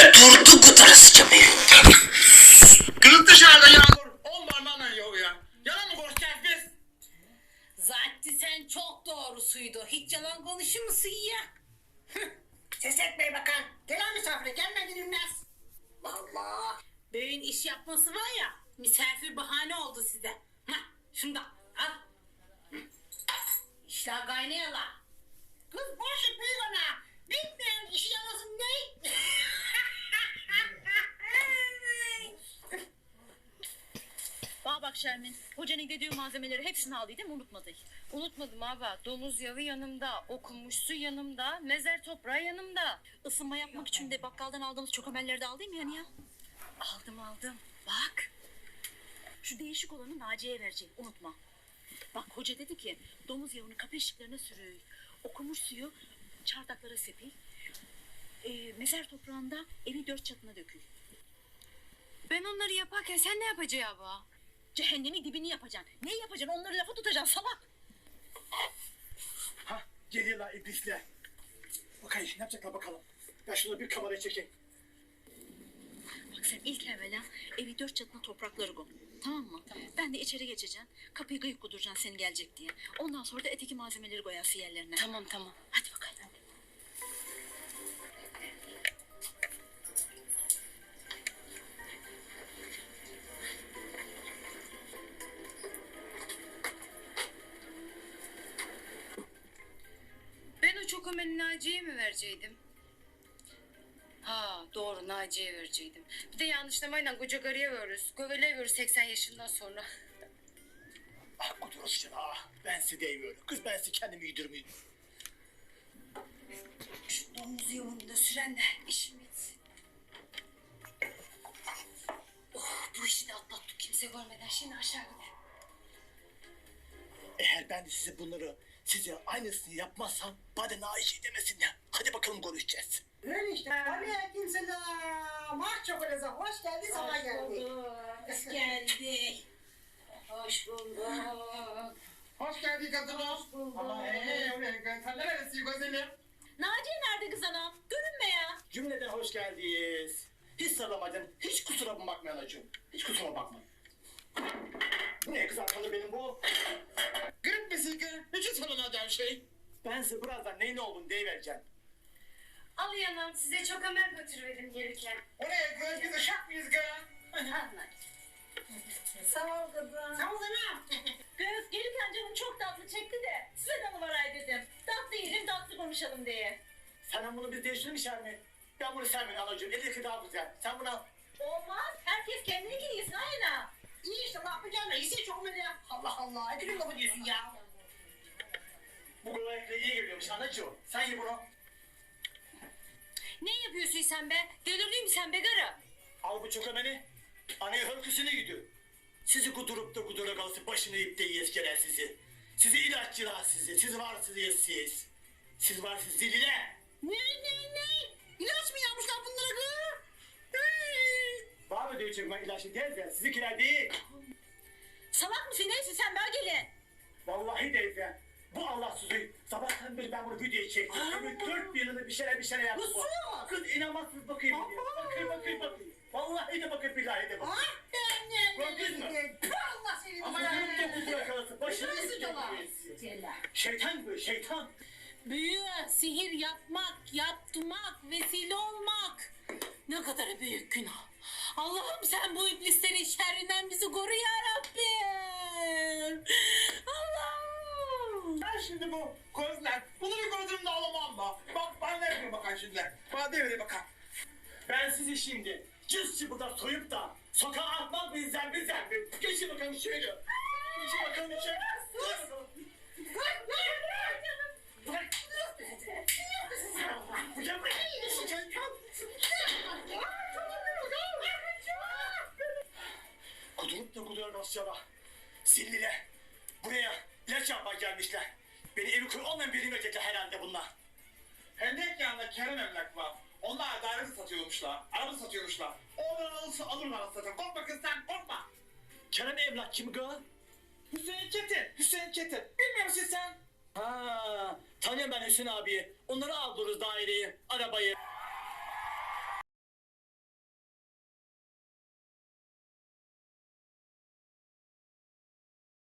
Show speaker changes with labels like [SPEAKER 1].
[SPEAKER 1] Durdu kutarasıca beni.
[SPEAKER 2] Kız dışarıda yağmur. 10 parmağınla yağıyor. Yalan mı konuşacağız biz?
[SPEAKER 3] Zaten sen çok doğrusuydu. Hiç yalan konuşur musun ya?
[SPEAKER 4] Ses etmeyin bakan. Gelen misafire gelmedi dinmez. Vallahi.
[SPEAKER 3] Böğün iş yapması var ya, misafir bahane oldu size. Hah, şunu da al. İşler kaynayalar.
[SPEAKER 4] Kız boş büyük ana. Bitmeyen işi yalasın ne?
[SPEAKER 5] Bana bak Şermin, hocanın dediği malzemeleri hepsini aldıydım, unutmadı.
[SPEAKER 6] Unutmadım abi. Domuz yağı yanımda, okunmuş su yanımda, mezar toprağı yanımda.
[SPEAKER 5] Isınma yapmak için de bakkaldan aldığımız çokomelleri de aldın mı yani ya?
[SPEAKER 6] Aldım.
[SPEAKER 5] Bak, şu değişik olanı Naciye'ye verecek, unutma. Bak hoca dedi ki, domuz yağını kapı eşiklerine sürüyor. Okumuş suyu çardaklara sepil. Mezar toprağında evi 4 çatına dökül.
[SPEAKER 6] Ben onları yaparken sen ne yapacaksın abi?
[SPEAKER 5] Cehennemi dibini yapacaksın. Ne yapacaksın? Onları lafa tutacaksın salak.
[SPEAKER 2] Hah geliyorlar iblisler. Bakayım ne yapacaklar bakalım. Ben şunu bir kameraya çekeyim.
[SPEAKER 5] Bak sen ilk evvela evi 4 çatına toprakları koy. Tamam mı? Tamam. Ben de içeri geçeceğim. Kapıyı kıyıp kuduracaksın seni gelecek diye. Ondan sonra da eteki malzemeleri koyarsın yerlerine.
[SPEAKER 6] Tamam.
[SPEAKER 5] Hadi bakalım.
[SPEAKER 6] Ben o çokomeni Naciye'ye mi vereceydim? Ha doğru, Naciye'ye vereceydim. Bir de yanlışlamayla koca karıya veriyoruz. Göveleye 80 yaşından sonra.
[SPEAKER 2] Ah kudurasıca ah. Ben size değmiyorum. Kız ben size kendimi yedirmeyeyim.
[SPEAKER 6] Şu domuz yolunu da süren de işim bitsin. Oh, bu işi de atlattık kimse görmeden. Şimdi aşağı gidelim.
[SPEAKER 2] Eğer ben de size bunları size aynısını yapmazsam bana naişi demesinler. Hadi bakalım konuşacağız.
[SPEAKER 4] Öyle işte. Aleykümselam. Ah çok öyle hoş geldin sabah geldik.
[SPEAKER 3] Hoş geldik. Hoş bulduk.
[SPEAKER 4] Hoş geldin kadınım. Hoş bulduk. Ama sen neresi güzelim?
[SPEAKER 5] Naciye nerede kız anam? Görünme ya.
[SPEAKER 2] Cümleden hoş geldiniz. Hiç sarılamadım. Hiç kusura bakmayın anacığım. Hiç kusura bakmayın. Bu ne kız arkalı benim bu? Grip misin ki? Hiç sarılacağım şey. Ben size birazdan neyin olduğunu deyivereceğim.
[SPEAKER 6] Al yanım, size çokomen götürüverim gelirken.
[SPEAKER 4] Oraya kız biz uşak mıyız kız?
[SPEAKER 3] Sağ ol kızım.
[SPEAKER 4] Sağ ol canım.
[SPEAKER 5] Kız gelirken canım çok tatlı çekti de size de numarayı dedim. Tatlı yiyelim tatlı konuşalım diye.
[SPEAKER 2] Sen bunu biz değiştirir mi Şermin? Ben bunu sevmedim anacığım. Elindeki daha güzel. Sen bunu al.
[SPEAKER 5] Olmaz. Herkes kendini yesin aynen.
[SPEAKER 4] İyi işte ne yapacağım ya. İyisi çok öyle ya. Allah Allah. Hadi bir lafı diyorsun ya.
[SPEAKER 2] Bu kolaylıkla iyi geliyormuş anacığım. Sen ye bunu.
[SPEAKER 6] Ne yapıyorsun sen be? Delirdin mi sen be karı?
[SPEAKER 2] Al bu çökemeni. Anaya hırkısını gidiyor. Sizi kudurup da kudura kalsın. Başını ip de yeskeler sizi. Sizi ilaççılar sizi. Siz varsınız siz. Siz varsınız zilile.
[SPEAKER 4] Ne? İlaç mı yapmışlar bunlara kız?
[SPEAKER 2] Var mı diyor çökme ilaçlı teyze? Sizinkiler değil.
[SPEAKER 5] Salak mısın neyse sen böyle gelin.
[SPEAKER 2] Vallahi teyze. Bu Allahsızı. Sabahtan beri ben bunu videoya çektim. Ömür 4 yılını bir şeyler yaptım.
[SPEAKER 4] Nasıl?
[SPEAKER 2] Kız inanmazsınız bakayım. Bakayım. Vallahi de bakayım billahi de bakayım.
[SPEAKER 4] Ah ben ne?
[SPEAKER 2] Gördünüz mü?
[SPEAKER 4] Allah seni.
[SPEAKER 2] Ama kudurup da kudura kalsın. Başını
[SPEAKER 4] Nasıl
[SPEAKER 2] ip de
[SPEAKER 4] cana?
[SPEAKER 2] yeskeler. Şeytan bu şeytan.
[SPEAKER 3] Büyü, sihir yapmak, yaptırmak, vesile olmak. Ne kadar büyük günah. Allah'ım sen bu iblislerin şerrinden bizi koru ya Rabbim. Allah'ım.
[SPEAKER 2] Ben şimdi bu gözler, bunu bir gözümde alamam da. Bak bana ne yapayım bakan şimdi. Bana devre bakan. Ben sizi şimdi cüzçü burada soyup da sokağa atmak bizden. Geçin bakalım şöyle. Geçin bakalım şöyle. Bırak. Hocam bırak. Kudurup da kuduran Asya'da. Zillile. Buraya ilaç yapmaya gelmişler. Beni evi köy olmayan birine verecekler herhalde bunlar. Hendek yanında Kerem emlak var. Onlar daire satıyormuşlar. Araba satıyormuşlar. Oradan alırlar zaten. Korkma kız sen korkma. Kerem emlak kim gı? Hüseyin Çetin. Bilmiyor musun sen? Ha, tanıyorum ben Hüseyin abiyi. Onları aldırırız daireyi, arabayı.